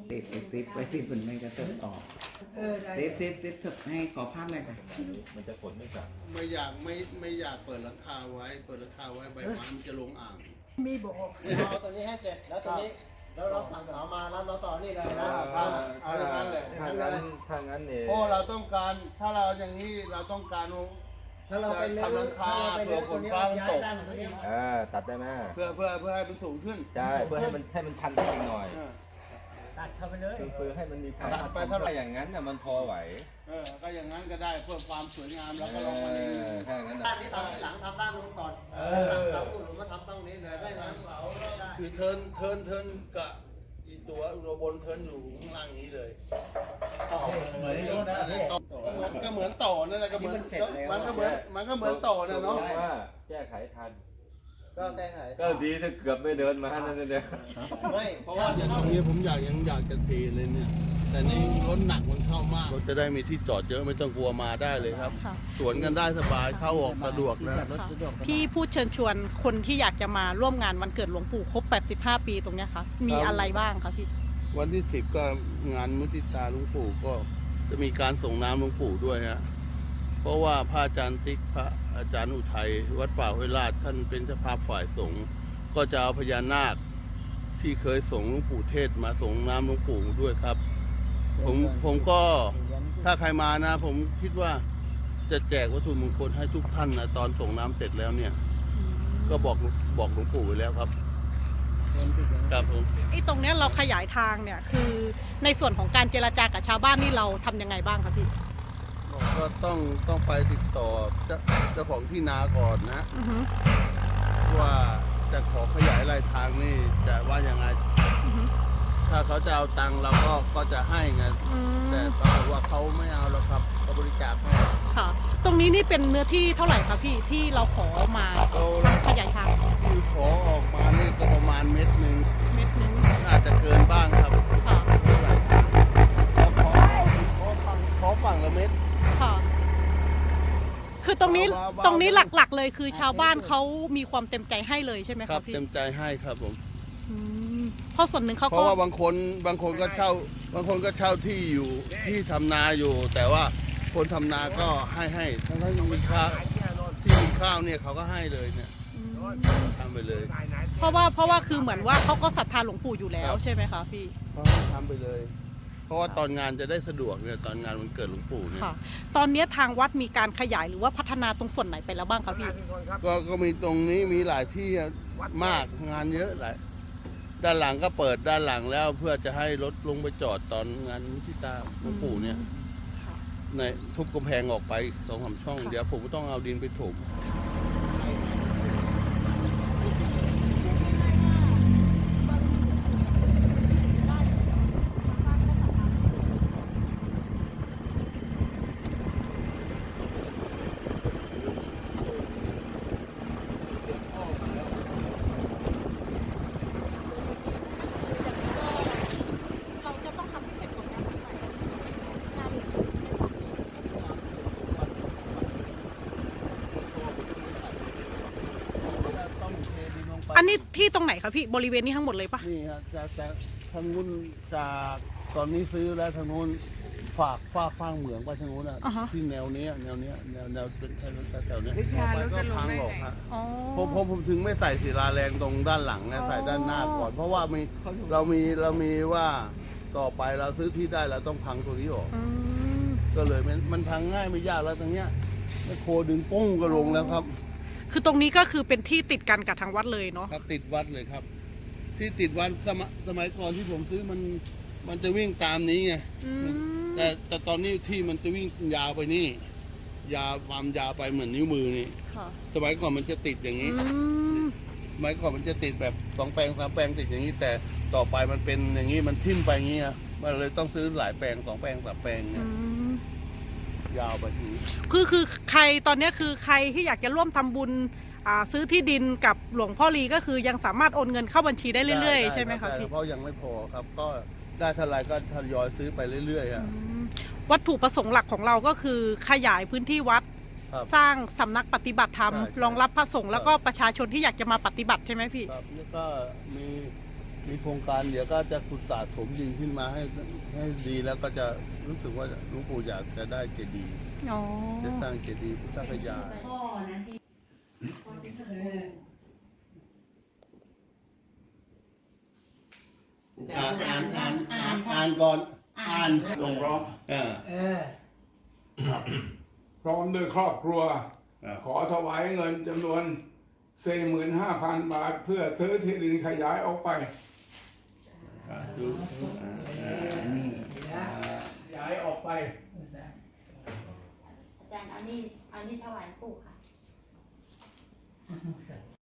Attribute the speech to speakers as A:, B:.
A: ติดไว้ที่บนไม่กระเทิบออกติดให้ขอภาพเลยค่ะ
B: มันจะฝนไม่กลับ
C: ไม่อยากเปิดหลังคาไว้เปิดหลังคาไว้ใบไม้มันจะลงอ่าง
D: มีบอกเอาตัวนี้ให้เสร็จแล้วตัวนี้แล้วเราสั่งเหมามาแล้วเราต่อนี่เลยนะ
C: เอาอย่างนั้นเลย
B: ถ้างั้นเนี่ย
C: เพราะเราต้องการถ้าเราอย่างนี้เราต้องการ
D: ถ้าเราไปเลื้อย
C: ทำหลังคาเผื่อฝนฟ้ามันตก
B: ตัดได้ไหม
C: เพื่อให้มันสูงขึ้น
B: ใช่เพื่อให้มันชันขึ้นอีกหน่อย
D: ตัดเข้าไปเลย
B: เพื่อให้มันมีความไปเท่าไหร่อย่างนั้นน่ะมันพอไหว
C: ก็อย่างนั้นก็ได้เพื่อความสวยงามแล้วก็ลองมาใน
B: ถ้าอย่างนั้น
D: ด้านนี้ทำที่หลังทำด้านนู้นก่อนเราคุณหนูมาทำตรงนี้เลยได้ไหม
C: คือเทินกับอีตัวบนเทินอยู่ข้างล่างนี้เลย
D: เหมือนนี่นะ
C: ก็เหมือนต่อนั่นแหละก็เหมือนมันก็เหมือนต่อนะเนาะ
B: ว่าแก้ไขทัน
D: ก็แก้ไข
B: ก็ดีถ้าเกือบไม่เดินมานั่นเดียว
D: ไม่
C: เพราะว่าอย่างนี้ผมอยากจะเทเลยเนี่ยแต่นี่รถหนักมันเข้ามากรถจะได้มีที่จอดเยอะไม่ต้องกลัวมาได้เลยครับสวนกันได้สบายเข้าออกสะดวกนะ
E: พี่พูดเชิญชวนคนที่อยากจะมาร่วมงานวันเกิดหลวงปู่ครบ85 ปีตรงนี้ค่ะมีอะไรบ้างคะพี่
C: วันที่10ก็งานมุทิตาหลวงปู่ก็จะมีการส่งน้ำหลวงปู่ด้วยฮะเพราะว่าพระอาจารย์ติ๊กพระอาจารย์อุทัยวัดป่าห้วยลาดท่านเป็นเจ้าภาพฝ่ายสงฆ์ก็จะเอาพญานาคที่เคยส่งหลวงปู่เทศมาส่งน้ำหลวงปู่ด้วยครับผมก็ถ้าใครมานะผมคิดว่าจะแจกวัตถุมงคลให้ทุกท่านนะตอนส่งน้ำเสร็จแล้วเนี่ยก็บอกหลวงปู่ไว้แล้วครับครับผม
E: ไอ้ตรงเนี้ยเราขยายทางเนี่ยคือในส่วนของการเจรจากับชาวบ้านนี่เราทำยังไงบ้างคะพี่
C: ก็ต้องไปติดต่อเจ้าของที่นาก่อนนะว่าจะขอขยายรายทางนี่จะว่ายังไงถ้าเขาจะเอาตังค์เราก็จะให้ไงแต่ปรากฏว่าเขาไม่เอาแล้วครับก็บริจาคให้
E: ค่ะตรงนี้นี่เป็นเนื้อที่เท่าไหร่คะพี่ที่เราขอมาขยายทาง
C: ที่ขอออกมานี่ก็ประมาณเม็ดหนึ่งอาจจะเกินบ้างครับ
E: ค่ะ
C: ขอฝั่งละเม็ด
E: ค่ะคือตรงนี้หลักๆเลยคือชาวบ้านเขามีความเต็มใจให้เลยใช่ไหมครับพี่
C: เต็มใจให้ครับผม
E: เพราะส่วนหนึ่งเขาก็
C: เพราะว่าบางคนก็เช่าที่อยู่ที่ทำนาอยู่แต่ว่าคนทำนาก็ให้ทั้งมีข้าวที่มีข้าวเนี่ยเขาก็ให้เลยเนี่ยทำไปเลย
E: เพราะว่าคือเหมือนว่าเขาก็ศรัทธาหลวงปู่อยู่แล้วใช่ไหมคะพี่
C: ทำไปเลยเพราะว่าตอนงานจะได้สะดวกเนี่ยตอนงานวันเกิดหลวงปู่เนี่ย
E: ตอนนี้ทางวัดมีการขยายหรือว่าพัฒนาตรงส่วนไหนไปแล้วบ้างครับพี่
C: ก็มีตรงนี้มีหลายที่มากงานเยอะหลายด้านหลังก็เปิดด้านหลังแล้วเพื่อจะให้รถลงไปจอดตอนงานมุทิตาหลวงปู่เนี่ยในทุบกำแพงออกไป2-3 ช่องเดี๋ยวผมก็ต้องเอาดินไปถม
E: อันนี้ที่ตรงไหนคะพี่บริเวณนี้ทั้งหมดเลยปะ
C: นี่ครับจากทางนู้นจากตอนนี้ซื้อแล้วทางนู้นฝากฟ้างเหมืองไปทางนู้นอ่ะที่แนวนี้แนวเป็นแถวนี้ไปก็พังหรอกครับผมถึงไม่ใส่ศิลาแรงตรงด้านหลังนะใส่ด้านหน้าก่อนเพราะว่าเรามีว่าต่อไปเราซื้อที่ได้เราต้องพังตัวนี้ออกก็เลยมันพังง่ายไม่ยากแล้วตรงเนี้ยโคดึงปุ้งก็ลงแล้วครับ
E: คือตรงนี้ก็คือเป็นที่ติดกันกับทางวัดเลยเนาะ
C: ครับติดวัดเลยครับที่ติดวัดสมัยก่อนที่ผมซื้อมันจะวิ่งตามนี้ไงแต่ตอนนี้ที่มันจะวิ่งยาวไปนี่ความยาวไปเหมือนนิ้วมือนี่สมัยก่อนมันจะติดอย่างนี้สมัยก่อนมันจะติดแบบ2 แปลง 3 แปลงติดอย่างนี้แต่ต่อไปมันเป็นอย่างนี้มันทิ่มไปอย่างนี้มันเลยต้องซื้อหลายแปลง2 แปลง 3 แปลงเนี่ยยาวไปที
E: คือใครตอนนี้คือใครที่อยากจะร่วมทำบุญซื้อที่ดินกับหลวงพ่อลีก็คือยังสามารถโอนเงินเข้าบัญชีได้เรื่อยๆใช่ไหมครับพี่
C: เพราะยังไม่พอครับก็ได้เท่าไรก็ทยอยซื้อไปเรื่อย
E: ๆวัตถุประสงค์หลักของเราก็คือขยายพื้นที่วัดสร้างสำนักปฏิบัติธรรมรองรับพระสงฆ์แล้วก็ประชาชนที่อยากจะมาปฏิบัติใช่ไหมพี่
C: ครับแล้วก็มีมีโครงการเดี๋ยวก็จะขุดสระถมดินขึ้นมาให้ดีแล้วก็จะรู้สึกว่าหลวงปู่อยากจะได้เจดีย์
E: อ๋อ
C: จะสร้างเจดีย์พุทธคยา
F: พ่อนะที่
C: อ่านก่อนอ่าน
G: ลงร้อง พร้อมด้วยครอบครัว ขอถวายเงินจำนวน 45,000 บาท เพื่อซื้อที่ดินขยายออกไปย้ายออกไป
F: อาจารย์เอานี่ถวายปู่ค่ะ